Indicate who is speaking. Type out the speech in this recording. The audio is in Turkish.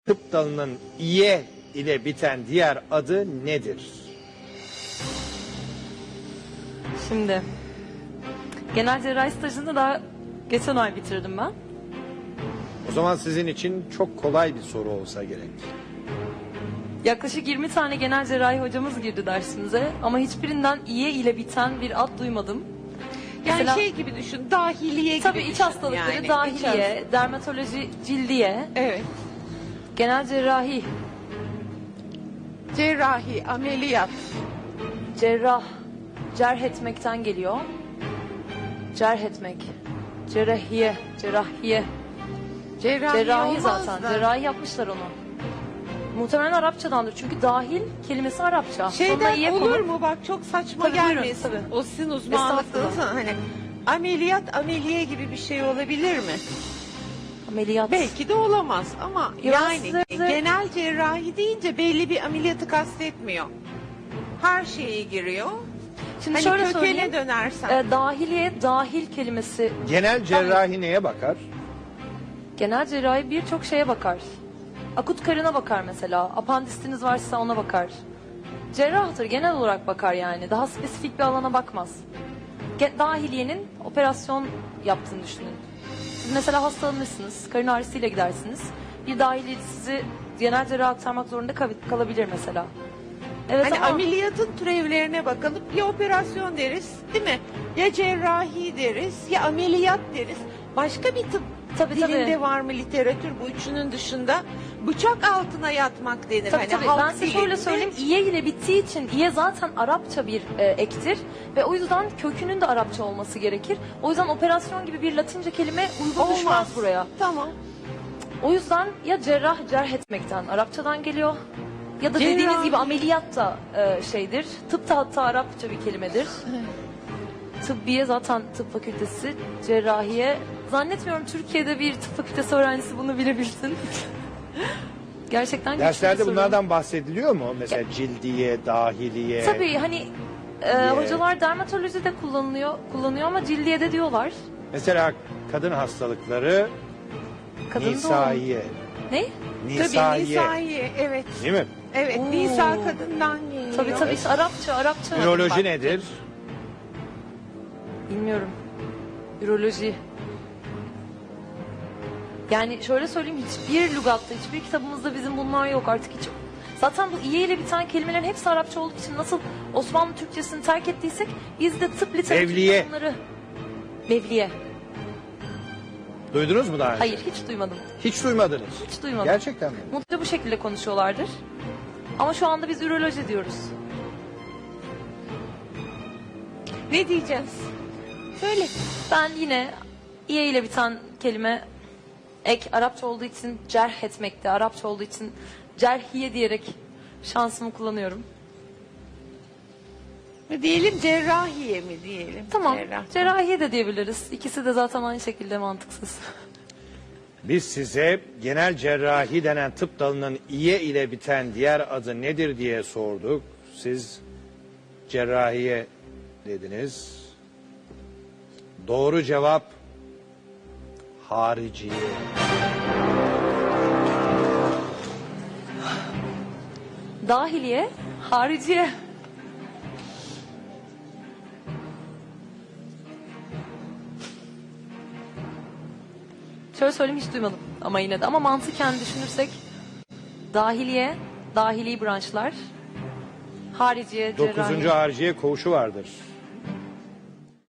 Speaker 1: tıp dalının iye ile biten diğer adı nedir?
Speaker 2: Şimdi genel cerrahi stajını daha geçen ay bitirdim ben.
Speaker 1: O zaman sizin için çok kolay bir soru olsa gerek.
Speaker 2: Yaklaşık 20 tane genel cerrahi hocamız girdi dersimize ama hiçbirinden iye ile biten bir ad duymadım.
Speaker 3: Yani
Speaker 2: Mesela-
Speaker 3: şey gibi düşün, dahiliye gibi
Speaker 2: Tabii iç
Speaker 3: düşün
Speaker 2: hastalıkları,
Speaker 3: yani.
Speaker 2: dahiliye, dermatoloji, cildiye,
Speaker 3: Evet.
Speaker 2: genel cerrahi,
Speaker 3: Cerrahi, ameliyat,
Speaker 2: cerrah, cerh etmekten geliyor. Cerh etmek, cerrahiye, cerrahiye, cerrahi
Speaker 3: olmaz
Speaker 2: zaten.
Speaker 3: da.
Speaker 2: Cerrahi yapmışlar onu. Muhtemelen Arapçadandır çünkü dahil kelimesi Arapça. Sonuna
Speaker 3: Şeyden
Speaker 2: iye
Speaker 3: olur
Speaker 2: konup-
Speaker 3: mu bak, çok saçma
Speaker 2: Tabii, buyurun,
Speaker 3: gelmesin.
Speaker 2: tabii.
Speaker 3: O sizin uzmanlıklarınız
Speaker 2: Estağfurullah.
Speaker 3: hani ameliyat, ameliye gibi bir şey olabilir mi?
Speaker 2: Ameliyat.
Speaker 3: Belki de olamaz ama
Speaker 2: Ya
Speaker 3: yani
Speaker 2: size-
Speaker 3: genel cerrahi deyince belli bir ameliyatı kastetmiyor. Her şeye giriyor.
Speaker 2: Şimdi
Speaker 3: Hani
Speaker 2: şöyle
Speaker 3: kökene
Speaker 2: söyleyeyim.
Speaker 3: dönersen.
Speaker 2: Dahiliye, dahil kelimesi.
Speaker 1: Genel cerrahi neye bakar?
Speaker 2: Genel cerrahi birçok şeye bakar. Akut karına bakar mesela. Apandisiniz varsa ona bakar. Cerrahtır, genel olarak bakar yani. Daha spesifik bir alana bakmaz. Dahiliyenin operasyon yaptığını düşünün. Siz mesela hastalanırsınız, karın ağrısıyla gidersiniz. Bir dahiliye sizi genel cerraha aktarmak zorunda kalabilir mesela. Evet
Speaker 3: Hani
Speaker 2: ama
Speaker 3: ameliyatın türevlerine bakalım. Ya operasyon deriz, değil mi? Ya cerrahi deriz, ya ameliyat deriz. Başka bir tıp
Speaker 2: Tabii,
Speaker 3: dilinde
Speaker 2: tabii.
Speaker 3: var mı literatür bu üçünün dışında? Bıçak altına yatmak denir.
Speaker 2: tabii,
Speaker 3: hani
Speaker 2: tabii.
Speaker 3: halk
Speaker 2: Ben size şöyle
Speaker 3: dilinde.
Speaker 2: söyleyeyim. İye ile bittiği için iye zaten Arapça bir ektir. Ve o yüzden kökünün de Arapça olması gerekir. O yüzden operasyon gibi bir Latince kelime uygun düşmez buraya.
Speaker 3: Tamam.
Speaker 2: O yüzden ya cerrah, cerh etmekten Arapçadan geliyor. Ya da dediğiniz
Speaker 3: Cerrahi.
Speaker 2: gibi ameliyat da şeydir. Tıp da hatta Arapça bir kelimedir. Tıbbiye zaten tıp fakültesi, cerrahiye. Zannetmiyorum Türkiye'de bir tıp fakültesi öğrencisi bunu bilebilsin. Gerçekten güçlü bir
Speaker 1: Derslerde
Speaker 2: soru.
Speaker 1: bunlardan bahsediliyor mu? Mesela cildiye, dahiliye.
Speaker 2: Tabii hani hocalar dermatolojide kullanıyor ama cildiye de diyorlar.
Speaker 1: Mesela kadın hastalıkları
Speaker 2: Kadın doğum.
Speaker 1: nisaiye.
Speaker 2: Ne?
Speaker 3: Tabii
Speaker 1: Nisaiye.
Speaker 3: nisaiye, evet.
Speaker 1: Değil mi?
Speaker 3: Evet,
Speaker 2: Oo.
Speaker 3: nisa kadından geliyor.
Speaker 2: Tabii tabii işte Arapça.
Speaker 1: Üroloji
Speaker 2: Bak,
Speaker 1: nedir?
Speaker 2: Bilmiyorum. Üroloji. Yani şöyle söyleyeyim, hiçbir lügatta, hiçbir kitabımızda bizim bunlar yok artık hiç. Zaten bu iye ile biten kelimelerin hepsi Arapça olduğu için nasıl Osmanlı Türkçesini terk ettiysek biz de tıp
Speaker 1: Mevliye.
Speaker 2: literatüründe bunları... Mevliye.
Speaker 1: Duydunuz mu daha önce?
Speaker 2: Hayır, hiç duymadım.
Speaker 1: Hiç duymadınız.
Speaker 2: Hiç duymadım.
Speaker 1: Gerçekten mi?
Speaker 2: Mutlaka bu şekilde konuşuyorlardır. Ama şu anda biz üroloji diyoruz.
Speaker 3: Ne diyeceğiz? Söyle.
Speaker 2: Ben yine iye ile biten kelime ek Arapça olduğu için cerh etmekte, Arapça olduğu için cerhiye diyerek şansımı kullanıyorum.
Speaker 3: Diyelim cerrahiye mi diyelim?
Speaker 2: Tamam,
Speaker 3: Cerrah.
Speaker 2: cerrahiye de diyebiliriz. İkisi de zaten aynı şekilde mantıksız.
Speaker 1: Biz size genel cerrahi denen tıp dalının iye ile biten diğer adı nedir diye sorduk. Siz cerrahiye dediniz. Doğru cevap hariciye.
Speaker 2: Dahiliye, hariciye. Şöyle söyleyeyim, hiç duymadım ama yine de. Ama mantıken düşünürsek dahiliye, dahili branşlar, hariciye, cerrahi.
Speaker 1: 9. hariciye koğuşu vardır.